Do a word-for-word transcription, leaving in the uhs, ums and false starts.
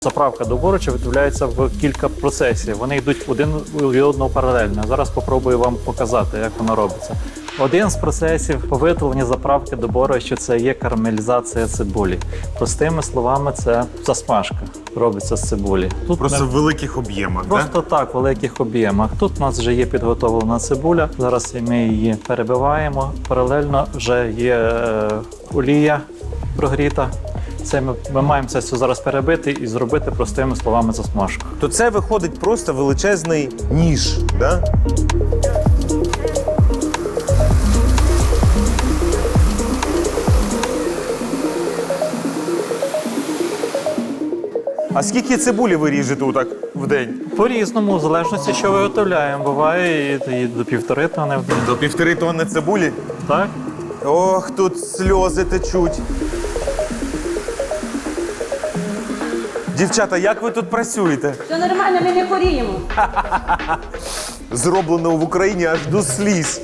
Заправка до борщу відбувається в кілька процесів. Вони йдуть один від одного паралельно. Зараз спробую вам показати, як воно робиться. Один з процесів по виготовленні заправки до борщу – це є карамелізація цибулі. Простими словами, це засмажка робиться з цибулі. Тут Просто ми... в великих об'ємах, Просто да? так, в великих об'ємах. Тут у нас вже є підготовлена цибуля. Зараз ми її перебиваємо. Паралельно вже є е, олія прогріта. Це ми, ми маємо це все зараз перебити і зробити простими словами засмажку. То це виходить просто величезний ніж, да? А скільки цибулі ви ріжете отак в день? По-різному, в залежності, що виготовляємо. Буває і, і до півтори тони в день. До півтори тонни цибулі? Так? Ох, тут сльози течуть. Дівчата, як ви тут працюєте? Все нормально, ми не хворіємо. Зроблено в Україні аж до сліз.